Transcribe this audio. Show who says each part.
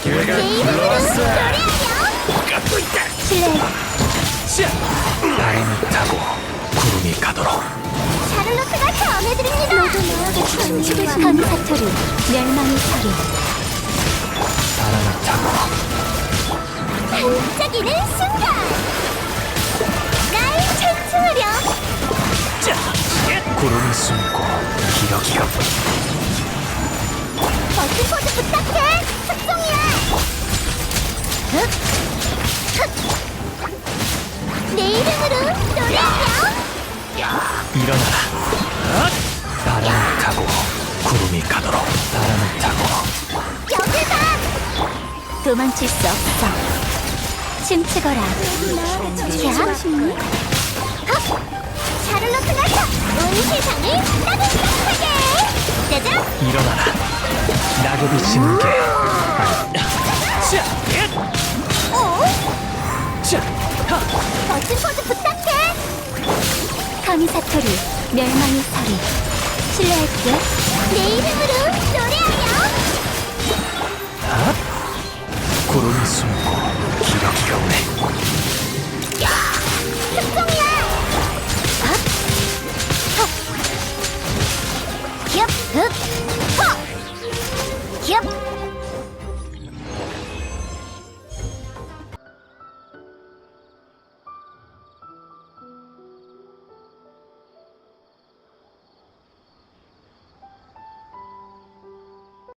Speaker 1: 기회가 불러왔어. 갖고 있다.
Speaker 2: 실례.
Speaker 1: 바람을 타고 구름이 가도록.
Speaker 2: 샤를로트가 전해드립니다. 모두 너에게 천지를 감사토리 멸망의 소리.
Speaker 1: 바람을 타고
Speaker 2: 반짝이는 순간 날 찬송하렴.
Speaker 1: 구름이 숨고 기러기가
Speaker 2: 버튼 포즈 부탁해. 특종이야. 내 이름으로 노래하렴.
Speaker 1: 일어나라. 바람을 타고 구름이 가도록. 바람을 타고
Speaker 2: 여길 봐. 도망칠 수 없어. 춤추거라. 자, 샤를로트가 온 세상을 따뜻하게. 짜잔.
Speaker 1: 일어나라. 낙엽이 지는 게.
Speaker 2: 버튼 포즈 부탁해. 카미사토리 멸망의 소리. 실례할게. 내 이름으로 노래하렴.
Speaker 1: 구름이 숨고 기러기가 오네.